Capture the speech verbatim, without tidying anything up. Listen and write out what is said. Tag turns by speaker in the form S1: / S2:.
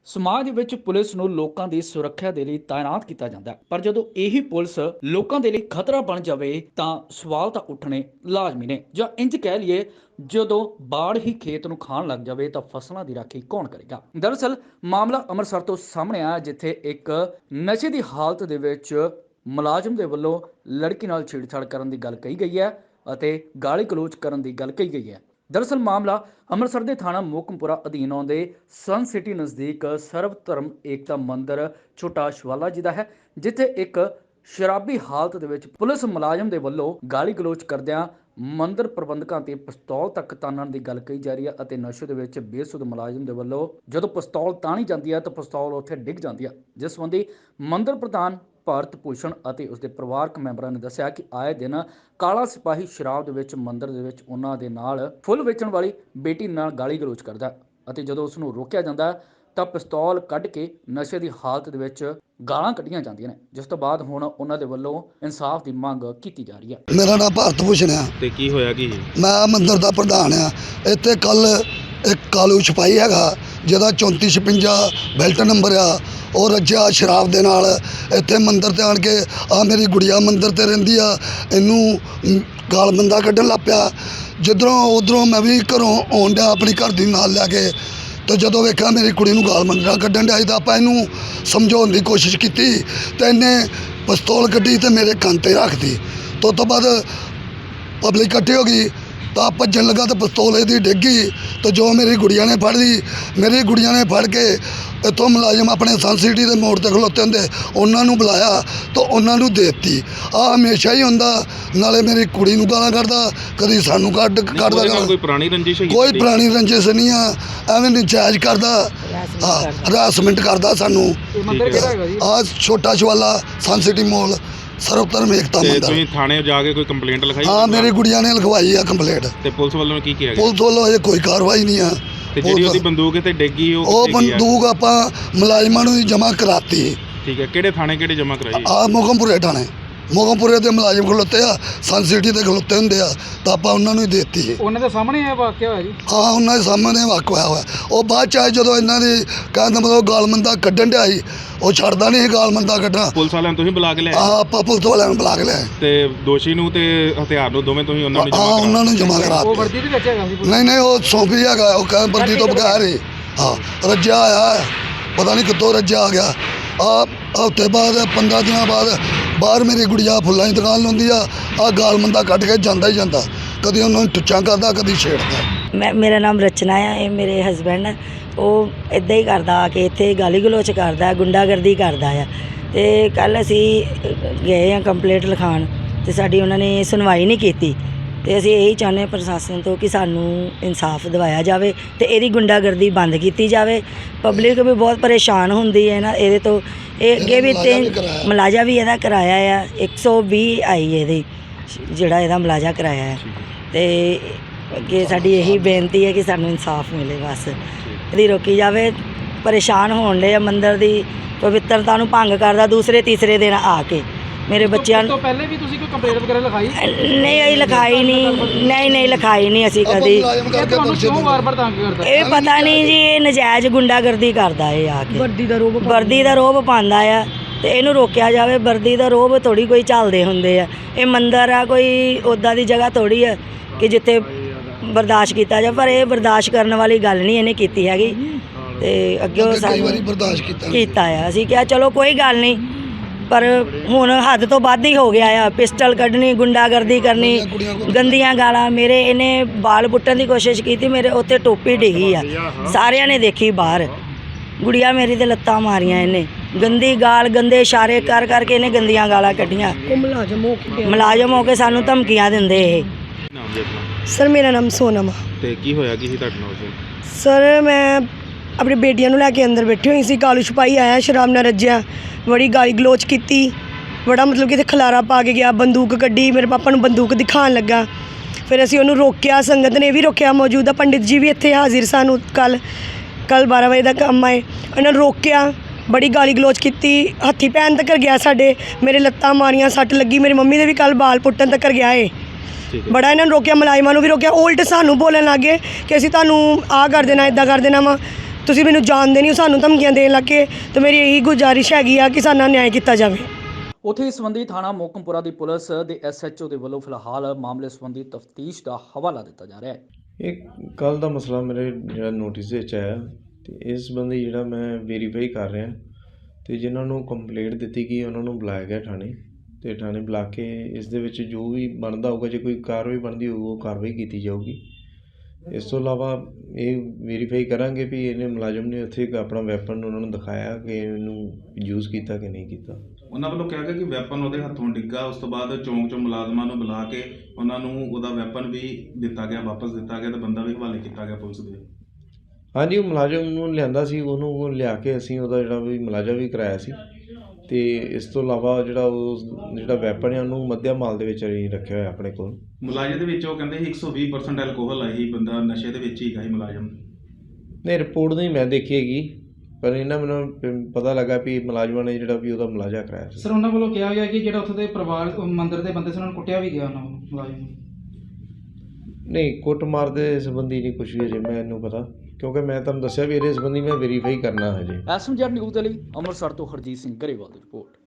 S1: ਸਮਾਜ ਵਿੱਚ ਪੁਲਿਸ ਨੂੰ ਲੋਕਾਂ ਦੀ ਸੁਰੱਖਿਆ ਦੇ ਲਈ ਤਾਇਨਾਤ ਕੀਤਾ ਜਾਂਦਾ ਹੈ, ਪਰ ਜਦੋਂ ਇਹੀ ਪੁਲਿਸ ਲੋਕਾਂ ਦੇ ਲਈ ਖਤਰਾ ਬਣ ਜਾਵੇ ਤਾਂ ਸਵਾਲ ਤਾਂ ਉੱਠਣੇ ਲਾਜ਼ਮੀ ਨੇ। ਜਾਂ ਇੰਜ ਕਹਿ ਲਈਏ, ਜਦੋਂ ਬਾੜ ਹੀ ਖੇਤ ਨੂੰ ਖਾਣ ਲੱਗ ਜਾਵੇ ਤਾਂ ਫਸਲਾਂ ਦੀ ਰਾਖੀ ਕੌਣ ਕਰੇਗਾ। ਦਰਅਸਲ ਮਾਮਲਾ ਅੰਮ੍ਰਿਤਸਰ ਤੋਂ ਸਾਹਮਣੇ ਆਇਆ, ਜਿੱਥੇ ਇੱਕ ਨਸ਼ੇ ਦੀ ਹਾਲਤ ਦੇ ਵਿੱਚ ਮੁਲਾਜ਼ਮ ਦੇ ਵੱਲੋਂ ਲੜਕੀ ਨਾਲ ਛੇੜਛਾੜ ਕਰਨ ਦੀ ਗੱਲ ਕਹੀ ਗਈ ਹੈ ਅਤੇ ਗਾਲੀ ਗਲੋਚ ਕਰਨ ਦੀ ਗੱਲ ਕਹੀ ਗਈ ਹੈ। ਦਰਅਸਲ ਮਾਮਲਾ ਅੰਮ੍ਰਿਤਸਰ ਦੇ ਥਾਣਾ ਮੋਕਮਪੁਰਾ ਅਧੀਨ ਆਉਂਦੇ ਸਨ ਸਿਟੀ ਨਜ਼ਦੀਕ ਸਰਵ ਧਰਮ ਏਕਤਾ ਮੰਦਿਰ ਛੋਟਾ ਸ਼ਵਾਲਾ ਜੀ ਦਾ ਹੈ, ਜਿੱਥੇ ਇੱਕ ਸ਼ਰਾਬੀ ਹਾਲਤ ਦੇ ਵਿੱਚ ਪੁਲਿਸ ਮੁਲਾਜ਼ਮ ਦੇ ਵੱਲੋਂ ਗਾਲੀ ਗਲੋਚ ਕਰਦਿਆਂ ਮੰਦਿਰ ਪ੍ਰਬੰਧਕਾਂ ਤੇ ਪਿਸਤੌਲ ਤੱਕ ਤਾਣਨ ਦੀ ਗੱਲ ਕਹੀ ਜਾ ਰਹੀ ਹੈ ਅਤੇ ਨਸ਼ੇ ਦੇ ਵਿੱਚ ਬੇਸੁੱਧ ਮੁਲਾਜ਼ਮ ਦੇ ਵੱਲੋਂ ਜਦੋਂ ਪਿਸਤੌਲ ਤਾਣੀ ਜਾਂਦੀ ਹੈ ਤਾਂ ਪਿਸਤੌਲ ਉੱਥੇ ਡਿੱਗ ਜਾਂਦੀ ਹੈ, ਜਿਸ ਸੰਬੰਧੀ ਮੰਦਿਰ ਪ੍ਰਧਾਨ ਭਾਰਤ ਭੂਸ਼ਣ ਅਤੇ ਉਸਦੇ ਪਰਿਵਾਰਕ ਮੈਂਬਰਾਂ ਨੇ ਦੱਸਿਆ ਕਿ ਆਏ ਦਿਨ ਕਾਲਾ ਸਿਪਾਹੀ ਸ਼ਰਾਬ ਦੇ ਵਿੱਚ ਮੰਦਿਰ ਦੇ ਵਿੱਚ ਉਹਨਾਂ ਦੇ ਨਾਲ ਫੁੱਲ ਵੇਚਣ ਵਾਲੀ ਬੇਟੀ ਨਾਲ ਗਾਲੀ ਗਲੋਚ ਕਰਦਾ ਅਤੇ ਜਦੋਂ ਉਸ ਨੂੰ ਰੋਕਿਆ ਜਾਂਦਾ ਤਾਂ ਪਿਸਤੌਲ ਕੱਢ ਕੇ ਨਸ਼ੇ ਦੀ ਹਾਲਤ ਦੇ ਵਿੱਚ ਗਾਲਾਂ ਕੱਢੀਆਂ ਜਾਂਦੀਆਂ ਨੇ, ਜਿਸ ਤੋਂ ਬਾਅਦ ਹੁਣ ਉਹਨਾਂ ਦੇ ਵੱਲੋਂ ਇਨਸਾਫ ਦੀ ਮੰਗ ਕੀਤੀ ਜਾ ਰਹੀ ਹੈ।
S2: ਮੇਰਾ ਨਾਮ ਭਾਰਤ ਭੂਸ਼ਣ ਆ
S3: ਤੇ ਕੀ ਹੋਇਆ ਕੀ
S2: ਮੈਂ ਮੰਦਿਰ ਦਾ ਪ੍ਰਧਾਨ ਆ। ਇੱਥੇ ਕੱਲ ਇੱਕ ਕਾਲੂ ਛਪਾਈ ਹੈਗਾ ਜਿਹਦਾ ਚੌਂਤੀ ਛਪੰਜਾ ਬੈਲਟ ਨੰਬਰ ਆ, ਉਹ ਰੱਜਿਆ ਸ਼ਰਾਬ ਦੇ ਨਾਲ ਇੱਥੇ ਮੰਦਿਰ ਤੇ ਆਣ ਕੇ ਆ ਮੇਰੀ ਗੁੜੀਆ ਮੰਦਿਰ ਤੇ ਰਹਿੰਦੀ ਆ, ਇਹਨੂੰ ਗਾਲ ਬੰਦਾ ਕੱਢਣ ਲੱਗ ਪਿਆ। ਜਿੱਧਰੋਂ ਉੱਧਰੋਂ ਮੈਂ ਵੀ ਘਰੋਂ ਆਉਣ ਡਿਆ ਆਪਣੀ ਘਰ ਦੀ ਨਾਲ ਲੈ ਕੇ, ਤੇ ਜਦੋਂ ਵੇਖਿਆ ਮੇਰੀ ਕੁੜੀ ਨੂੰ ਗਾਲ ਮੰਦਾ ਕੱਢਣ ਡਿਆ ਤਾਂ ਆਪਾਂ ਇਹਨੂੰ ਸਮਝਾਉਣ ਦੀ ਕੋਸ਼ਿਸ਼ ਕੀਤੀ ਤੇ ਇਹਨੇ ਪਿਸਤੌਲ ਕੱਢੀ ਤੇ ਮੇਰੇ ਕੰਨ 'ਤੇ ਰੱਖਦੀ। ਤੋਂ ਤੋਂ ਬਾਅਦ ਪਬਲਿਕ ਇਕੱਠੀ ਹੋ ਗਈ ਤਾਂ ਭੱਜਣ ਲੱਗਾ ਤਾਂ ਪਿਸਤੌਲ ਇਹਦੀ ਡਿੱਗ ਗਈ। ਤਾਂ ਜੋ ਮੇਰੀ ਗੁੜੀਆ ਨੇ ਫੜ ਲਈ, ਮੇਰੀ ਗੁੜੀਆ ਨੇ ਫੜ ਕੇ ਇੱਥੋਂ ਮੁਲਾਜ਼ਮ ਆਪਣੇ ਸਨ ਸਿਟੀ ਦੇ ਮੋੜ 'ਤੇ ਖਲੋਤੇ ਹੁੰਦੇ ਉਹਨਾਂ ਨੂੰ ਬੁਲਾਇਆ ਤਾਂ ਉਹਨਾਂ ਨੂੰ ਦੇ ਦਿੱਤੀ। ਆਹ ਹਮੇਸ਼ਾ ਹੀ ਹੁੰਦਾ, ਨਾਲੇ ਮੇਰੀ ਕੁੜੀ ਨੂੰ ਗਾਲਾਂ ਕੱਢਦਾ, ਕਦੀ ਸਾਨੂੰ ਕੱਢ ਕੱਢਦਾ।
S3: ਕੋਈ ਪੁਰਾਣੀ ਰੰਜਿਸ਼ ਹੈ?
S2: ਕੋਈ ਪੁਰਾਣੀ ਰੰਜਿਸ਼ ਨਹੀਂ ਆ, ਐਵੇਂ ਨਜਾਇਜ਼ ਕਰਦਾ, ਹਾਂ ਹਰਾਸਮੈਂਟ ਕਰਦਾ ਸਾਨੂੰ। ਆਹ ਛੋਟਾ ਸ਼ਵਾਲਾ ਸਨ ਸਿਟੀ ਮੋਲ ਸਰਵ ਧਰਮ ਏਕਤਾ ਮੰਦਿਰ।
S3: ਤੁਸੀਂ ਥਾਣੇ ਜਾ ਕੇ ਕੋਈ ਕੰਪਲੇਂਟ ਲਿਖਾਈ?
S2: ਹਾਂ ਮੇਰੀ ਗੁੜੀਆ ਨੇ ਲਿਖਵਾਈ ਆ ਕੰਪਲੇਂਟ।
S3: ਤੇ ਪੁਲਿਸ ਵੱਲੋਂ ਕੀ ਕਿਹਾ ਗਿਆ?
S2: ਪੁਲਿਸ ਵੱਲੋਂ ਅਜੇ ਕੋਈ ਕਾਰਵਾਈ ਨਹੀਂ ਆ।
S3: ਤੇ ਜਿਹੜੀ ਉਹਦੀ ਬੰਦੂਕ ਤੇ ਡਿੱਗੀ ਉਹ
S2: ਉਹ ਬੰਦੂਕ ਆਪਾਂ ਮੁਲਾਜ਼ਮਾਂ ਨੂੰ ਜਮ੍ਹਾਂ ਕਰਾਤੀ।
S3: ਠੀਕ ਹੈ, ਕਿਹੜੇ ਥਾਣੇ ਕਿਹੜੇ ਜਮ੍ਹਾਂ ਕਰਾਈ?
S2: ਆ ਮੋਗਮਪੁਰੇ ਥਾਣੇ, ਮੋਗਮਪੁਰੇ ਦੇ ਮੁਲਾਜ਼ਮ ਖਲੋਤੇ ਆ, ਸਨ ਸਿਟੀ ਦੇ ਖਲੋਤੇ ਹੁੰਦੇ ਆ, ਤਾਂ ਆਪਾਂ ਉਹਨਾਂ ਨੂੰ ਹੀ ਦੇ ਦਿੱਤੀ।
S4: ਉਹਨਾਂ ਦੇ ਸਾਹਮਣੇ ਇਹ ਵਾਕਿਆ ਹੋਇਆ ਜੀ?
S2: ਹਾਂ ਉਹਨਾਂ ਦੇ ਸਾਹਮਣੇ ਵਾਕਿਆ ਹੋਇਆ। ਉਹ ਬਾਅਦ ਚ ਆਏ ਜਦੋਂ ਇਹਨਾਂ ਦੀ ਕਹਿੰਦਾ ਮਤਲਬ ਗਾਲਮੰਦਾ ਕੱਢਣ ਡਿਆ ਸੀ, ਉਹ ਛੱਡਦਾ ਨਹੀਂ ਸੀ ਗਾਲਮੰਦਾ ਕੱਢਣਾ।
S3: ਪੁਲਿਸ ਵਾਲਿਆਂ ਨੂੰ ਤੁਸੀਂ ਬੁਲਾ ਕੇ ਲਿਆਏ?
S2: ਹਾਂ ਆਪਾਂ ਪੁਲਿਸ ਵਾਲਿਆਂ ਨੂੰ ਬੁਲਾ ਕੇ ਲਿਆਏ
S3: ਤੇ ਦੋਸ਼ੀ ਨੂੰ ਤੇ ਹਥਿਆਰ ਨੂੰ ਦੋਵੇਂ ਤੁਸੀਂ ਉਹਨਾਂ ਨੂੰ
S2: ਹਾਂ
S3: ਜਮ੍ਹਾਂ
S2: ਉਹਨਾਂ ਨੂੰ ਜਮ੍ਹਾਂ ਕਰਾ
S4: ਉਹ ਵਰਦੀ ਦੇ ਵਿੱਚ ਹੈਗਾ ਸੀ?
S2: ਨਹੀਂ ਨਹੀਂ ਉਹ ਸੌਂਪੀ ਹੈਗਾ, ਉਹ ਕਹਿੰਦਾ ਵਰਦੀ ਤੋਂ ਬਗੈਰ ਹੀ। ਹਾਂ ਰੱਜਿਆ ਆਇਆ, ਪਤਾ ਨਹੀਂ ਕਿੱਥੋਂ ਰੱਜਿਆ ਆ ਗਿਆ। ਆ ਹਫ਼ਤੇ ਬਾਅਦ ਪੰਦਰਾਂ ਦਿਨਾਂ ਬਾਅਦ ਬਾਹਰ ਮੇਰੀ ਗੁੜੀਆ ਫੁੱਲਾਂ ਦੀ ਦੁਕਾਨ ਲਾਉਂਦੀ ਆ, ਆ ਗਾਲਮੰਦਾ ਕੱਢ ਕੇ ਜਾਂਦਾ ਹੀ ਜਾਂਦਾ, ਕਦੀ ਉਹਨਾਂ ਨੂੰ ਟੁੱਚਾਂ ਕਰਦਾ, ਕਦੀ ਛੇੜਦਾ।
S5: ਮੈਂ ਮੇਰਾ ਨਾਮ ਰਚਨਾ ਆ, ਇਹ ਮੇਰੇ ਹਸਬੈਂਡ, ਉਹ ਇੱਦਾਂ ਹੀ ਕਰਦਾ ਆ ਕੇ ਇੱਥੇ ਗਾਲੀ ਗਲੋਚ ਕਰਦਾ, ਗੁੰਡਾਗਰਦੀ ਕਰਦਾ ਆ। ਅਤੇ ਕੱਲ੍ਹ ਅਸੀਂ ਗਏ ਹਾਂ ਕੰਪਲੇਂਟ ਲਿਖਾਉਣ ਅਤੇ ਸਾਡੀ ਉਹਨਾਂ ਨੇ ਸੁਣਵਾਈ ਨਹੀਂ ਕੀਤੀ। ਅਤੇ ਅਸੀਂ ਇਹੀ ਚਾਹੁੰਦੇ ਹਾਂ ਪ੍ਰਸ਼ਾਸਨ ਤੋਂ ਕਿ ਸਾਨੂੰ ਇਨਸਾਫ ਦਿਵਾਇਆ ਜਾਵੇ ਅਤੇ ਇਹਦੀ ਗੁੰਡਾਗਰਦੀ ਬੰਦ ਕੀਤੀ ਜਾਵੇ। ਪਬਲਿਕ ਵੀ ਬਹੁਤ ਪਰੇਸ਼ਾਨ ਹੁੰਦੀ ਹੈ ਨਾ ਇਹਦੇ ਤੋਂ। ਇਹ ਅੱਗੇ ਵੀ ਤਿੰਨ ਮੁਲਾਜ਼ਾ ਵੀ ਇਹਦਾ ਕਰਾਇਆ ਆ, ਇੱਕ ਸੌ ਵੀਹ ਆਈ ਇਹਦੀ ਜਿਹੜਾ ਇਹਦਾ ਮੁਲਾਜ਼ਾ ਕਰਾਇਆ ਹੈ। ਅਤੇ ਅੱਗੇ ਸਾਡੀ ਇਹੀ ਬੇਨਤੀ ਹੈ ਕਿ ਸਾਨੂੰ ਇਨਸਾਫ ਮਿਲੇ, ਬਸ ਇਹਦੀ ਰੋਕੀ ਜਾਵੇ। ਪਰੇਸ਼ਾਨ ਹੋਣ ਦੇ ਆ, ਮੰਦਿਰ ਦੀ ਪਵਿੱਤਰਤਾ ਨੂੰ ਭੰਗ ਕਰਦਾ ਦੂਸਰੇ ਤੀਸਰੇ ਦਿਨ ਆ ਕੇ। ਮੇਰੇ ਬੱਚਿਆਂ ਨੂੰ
S4: ਪਹਿਲੇ ਵੀ ਤੁਸੀਂ ਕੋਈ ਕੰਪਲੇਂਟ ਵਗੈਰਾ ਲਿਖਾਈ?
S5: ਨਹੀਂ ਅਸੀਂ ਲਿਖਾਈ ਨਹੀਂ, ਨਹੀਂ ਨਹੀਂ ਲਿਖਾਈ ਨਹੀਂ ਅਸੀਂ ਕਦੀ।
S4: ਤੁਹਾਨੂੰ ਕਿਉਂ ਵਾਰ-ਵਾਰ ਤੰਗ ਕਰਦਾ?
S5: ਇਹ ਪਤਾ ਨਹੀਂ ਜੀ, ਇਹ ਨਜਾਇਜ਼ ਗੁੰਡਾਗਰਦੀ ਕਰਦਾ ਇਹ ਆ ਕੇ, ਵਰਦੀ ਦਾ ਰੋਹਬ ਵਰਦੀ ਦਾ ਰੋਹਬ ਪਾਉਂਦਾ ਆ ਅਤੇ ਇਹਨੂੰ ਰੋਕਿਆ ਜਾਵੇ। ਵਰਦੀ ਦਾ ਰੋਹਬ ਥੋੜ੍ਹੀ ਕੋਈ ਚੱਲਦੇ ਹੁੰਦੇ ਆ, ਇਹ ਮੰਦਿਰ ਆ, ਕੋਈ ਉੱਦਾਂ ਦੀ ਜਗ੍ਹਾ ਥੋੜ੍ਹੀ ਆ ਕਿ ਜਿੱਥੇ ਬਰਦਾਸ਼ਤ ਕੀਤਾ ਜਾਵੇ, ਪਰ ਇਹ ਬਰਦਾਸ਼ਤ ਕਰਨ ਵਾਲੀ ਗੱਲ ਨਹੀਂ ਇਹਨੇ ਕੀਤੀ ਹੈਗੀ। ਅਤੇ ਅੱਗੇ ਉਹ ਸਾਨੂੰ
S2: ਬਰਦਾਸ਼ਤ ਕੀਤਾ
S5: ਕੀਤਾ ਆ, ਅਸੀਂ ਕਿਹਾ ਚਲੋ ਕੋਈ ਗੱਲ ਨਹੀਂ, ਪਰ ਹੁਣ ਹੱਦ ਤੋਂ ਵੱਧ ਹੀ ਹੋ ਗਿਆ ਆ। ਪਿਸਟਲ ਕੱਢਣੀ, ਗੁੰਡਾਗਰਦੀ ਕਰਨੀ, ਗੰਦੀਆਂ ਗਾਲਾਂ। ਮੇਰੇ ਇਹਨੇ ਬਾਲ ਪੁੱਟਣ ਦੀ ਕੋਸ਼ਿਸ਼ ਕੀਤੀ, ਮੇਰੇ ਉੱਤੇ ਟੋਪੀ ਡਿੱਗੀ ਆ, ਸਾਰਿਆਂ ਨੇ ਦੇਖੀ ਬਾਹਰ। ਗੁੜੀਆ ਮੇਰੀ ਤੇ ਲੱਤਾਂ ਮਾਰੀਆਂ ਇਹਨੇ, ਗੰਦੀ ਗਾਲ, ਗੰਦੇ ਇਸ਼ਾਰੇ ਕਰ ਕਰਕੇ ਇਹਨੇ ਗੰਦੀਆਂ ਗਾਲਾਂ ਕੱਢੀਆਂ। ਮੁਲਾਜ਼ਮ ਹੋ ਕੇ ਮੁਲਾਜ਼ਮ ਹੋ ਕੇ ਸਾਨੂੰ ਧਮਕੀਆਂ ਦਿੰਦੇ ਇਹ।
S3: ਨਾਮ ਜੀ ਆਪਣਾ?
S6: ਸਰ ਮੇਰਾ ਨਾਮ ਸੋਨਮ ਆ।
S3: ਤੇ ਕੀ ਹੋਇਆ ਕੀ ਸੀ ਤੁਹਾਡੇ ਨਾਲ?
S6: ਸਰ ਮੈਂ ਆਪਣੀ ਬੇਟੀਆਂ ਨੂੰ ਲੈ ਕੇ ਅੰਦਰ ਬੈਠੀ ਹੋਈ ਸੀ, ਕਾਲੂ ਛਪਾਈ ਆਇਆ ਸ਼ਰਾਬ ਨਾਲ ਰੱਜਿਆ, ਬੜੀ ਗਾਲੀ ਗਲੋਚ ਕੀਤੀ, ਬੜਾ ਮਤਲਬ ਕਿ ਇੱਥੇ ਖਲਾਰਾ ਪਾ ਕੇ ਗਿਆ, ਬੰਦੂਕ ਕੱਢੀ, ਮੇਰੇ ਪਾਪਾ ਨੂੰ ਬੰਦੂਕ ਦਿਖਾਉਣ ਲੱਗਾ। ਫਿਰ ਅਸੀਂ ਉਹਨੂੰ ਰੋਕਿਆ, ਸੰਗਤ ਨੇ ਵੀ ਰੋਕਿਆ, ਮੌਜੂਦਾ ਪੰਡਿਤ ਜੀ ਵੀ ਇੱਥੇ ਹਾਜ਼ਰ ਸਾਨੂੰ। ਕੱਲ੍ਹ ਕੱਲ੍ਹ ਬਾਰਾਂ ਵਜੇ ਦਾ ਕੰਮ ਆਏ, ਉਹਨਾਂ ਨੂੰ ਰੋਕਿਆ, ਬੜੀ ਗਾਲੀ ਗਲੋਚ ਕੀਤੀ, ਹੱਥੀ ਪੈਣ ਤੱਕ ਗਿਆ ਸਾਡੇ, ਮੇਰੇ ਲੱਤਾਂ ਮਾਰੀਆਂ, ਸੱਟ ਲੱਗੀ, ਮੇਰੀ ਮੰਮੀ ਦੇ ਵੀ ਕੱਲ੍ਹ ਬਾਲ ਪੁੱਟਣ ਤੱਕ ਗਿਆ ਏ। ਬੜਾ ਇਹਨਾਂ ਨੂੰ ਰੋਕਿਆ, ਮੁਲਾਜ਼ਮਾਂ ਨੂੰ ਵੀ ਰੋਕਿਆ। ਉਲਟ ਸਾਨੂੰ ਬੋਲਣ ਲੱਗ ਗਏ ਕਿ ਅਸੀਂ ਤੁਹਾਨੂੰ ਆਹ ਕਰ ਦੇਣਾ, ਇੱਦਾਂ ਕਰ ਦੇਣਾ ਵਾ। ਤੁਸੀਂ ਮੈਨੂੰ ਜਾਣਦੇ ਨਹੀਂ ਹੋ, ਸਾਨੂੰ ਧਮਕੀਆਂ ਦੇਣ ਲੱਗੇ। ਤੇ ਮੇਰੀ ਇਹੀ ਗੁਜ਼ਾਰਿਸ਼ ਹੈਗੀ ਆ ਕਿ ਸਾਡਾ ਨਿਆਂ ਕੀਤਾ ਜਾਵੇ।
S1: ਉੱਥੇ ਇਸ ਸੰਬੰਧੀ ਥਾਣਾ ਮੋਕਮਪੁਰਾ ਦੀ ਪੁਲਿਸ ਦੇ ਐਸ ਐਚ ਓ ਦੇ ਵੱਲੋਂ ਫਿਲਹਾਲ ਮਾਮਲੇ ਸੰਬੰਧੀ ਤਫਤੀਸ਼ ਦਾ ਹਵਾਲਾ ਦਿੱਤਾ ਜਾ ਰਿਹਾ ਹੈ।
S7: ਇਹ ਕੱਲ ਦਾ ਮਸਲਾ ਮੇਰੇ ਜਿਹੜਾ ਨੋਟਿਸ ਵਿੱਚ ਆਇਆ ਤੇ ਇਸ ਸੰਬੰਧੀ ਜਿਹੜਾ ਮੈਂ ਵੈਰੀਫਾਈ ਕਰ ਰਿਹਾ ਤੇ ਜਿਨ੍ਹਾਂ ਨੂੰ ਕੰਪਲੇਂਟ ਦਿੱਤੀ ਗਈ ਉਹਨਾਂ ਨੂੰ ਬੁਲਾਇਆ ਗਿਆ ਥਾਣੇ ਤੇ ਥਾਣੇ ਬੁਲਾ ਕੇ ਇਸ ਦੇ ਵਿੱਚ ਜੋ ਵੀ ਬਣਦਾ ਹੋਊਗਾ, ਜੇ ਕੋਈ ਕਾਰਵਾਈ ਬਣਦੀ ਹੋਊ ਉਹ ਕਾਰਵਾਈ ਕੀਤੀ ਜਾਊਗੀ। ਇਸ ਤੋਂ ਇਲਾਵਾ ਇਹ ਵੈਰੀਫਾਈ ਕਰਾਂਗੇ ਵੀ ਇਹਨੇ ਮੁਲਾਜ਼ਮ ਨੇ ਉੱਥੇ ਇੱਕ ਆਪਣਾ ਵੈਪਨ ਉਹਨਾਂ ਨੂੰ ਦਿਖਾਇਆ ਕਿ ਇਹਨੂੰ ਯੂਜ਼ ਕੀਤਾ ਕਿ ਨਹੀਂ ਕੀਤਾ।
S3: ਉਹਨਾਂ ਵੱਲੋਂ ਕਿਹਾ ਗਿਆ ਕਿ ਵੈਪਨ ਉਹਦੇ ਹੱਥੋਂ ਡਿੱਗਾ, ਉਸ ਤੋਂ ਬਾਅਦ ਚੌਂਕ 'ਚੋਂ ਮੁਲਾਜ਼ਮਾਂ ਨੂੰ ਬੁਲਾ ਕੇ ਉਹਨਾਂ ਨੂੰ ਉਹਦਾ ਵੈਪਨ ਵੀ ਦਿੱਤਾ ਗਿਆ, ਵਾਪਸ ਦਿੱਤਾ ਗਿਆ ਤੇ ਬੰਦਾ ਵੀ ਹਵਾਲੇ ਕੀਤਾ ਗਿਆ ਪੁਲਿਸ ਦੇ।
S7: ਹਾਂਜੀ, ਉਹ ਮੁਲਾਜ਼ਮ ਨੂੰ ਲਿਆਂਦਾ ਸੀ, ਉਹਨੂੰ ਉਹ ਲਿਆ ਕੇ ਅਸੀਂ ਉਹਦਾ ਜਿਹੜਾ ਵੀ ਮੁਲਾਜ਼ਾ ਵੀ ਕਰਾਇਆ ਸੀ ਤੇ ਇਸ ਤੋਂ ਇਲਾਵਾ ਜਿਹੜਾ ਉਹ ਜਿਹੜਾ ਵੈਪਨ ਹੈ ਉਹਨੂੰ ਮੱਧਿਆ ਮਾਲ ਦੇ ਵਿੱਚ ਅਸੀਂ ਰੱਖਿਆ ਹੋਇਆ ਆਪਣੇ ਕੋਲ।
S3: ਮੁਲਾਜ਼ਮ ਦੇ ਵਿੱਚ ਉਹ ਕਹਿੰਦੇ ਸੀ ਇੱਕ ਸੌ ਵੀਹ ਪਰਸੈਂਟ ਐਲਕੋਹਲ ਆਈ, ਬੰਦਾ ਨਸ਼ੇ ਦੇ ਵਿੱਚ ਹੀ ਹੈਗਾ ਸੀ ਮੁਲਾਜ਼ਮ।
S7: ਨਹੀਂ, ਰਿਪੋਰਟ ਨਹੀਂ ਮੈਂ ਦੇਖੀ ਹੈਗੀ, ਪਰ ਇਹਨਾਂ ਮੈਨੂੰ ਪ- ਪਤਾ ਲੱਗਾ ਵੀ ਮੁਲਾਜ਼ਮਾਂ ਨੇ ਜਿਹੜਾ ਵੀ ਉਹਦਾ ਮੁਲਾਜ਼ਾ ਕਰਾਇਆ ਸੀ।
S4: ਸਰ ਉਹਨਾਂ ਵੱਲੋਂ ਕਿਹਾ ਗਿਆ ਕਿ ਜਿਹੜਾ ਉੱਥੇ ਦੇ ਪਰਿਵਾਰ ਉਹ ਮੰਦਿਰ ਦੇ ਬੰਦੇ ਸੀ ਉਹਨਾਂ ਨੂੰ ਕੁੱਟਿਆ ਵੀ ਗਿਆ ਉਹਨਾਂ ਨੂੰ ਮੁਲਾਜ਼ਮ ਨੂੰ।
S7: ਨਹੀਂ, ਕੁੱਟਮਾਰ ਦੇ ਸੰਬੰਧੀ ਨਹੀਂ ਕੁਛ ਵੀ ਅਜੇ ਮੈਨੂੰ ਪਤਾ, ਕਿਉਂਕਿ ਮੈਂ ਤੁਹਾਨੂੰ ਦੱਸਿਆ ਵੀ ਇਹਦੇ ਸੰਬੰਧੀ ਮੈਂ ਵੈਰੀਫਾਈ ਕਰਨਾ ਹਜੇ।
S1: ਐਸਐਮਜੈਡ ਨਿਊਜ਼ ਦੇ ਲਈ ਅੰਮ੍ਰਿਤਸਰ ਤੋਂ ਹਰਜੀਤ ਸਿੰਘ ਗਰੇਵਾਲ ਦੀ ਰਿਪੋਰਟ।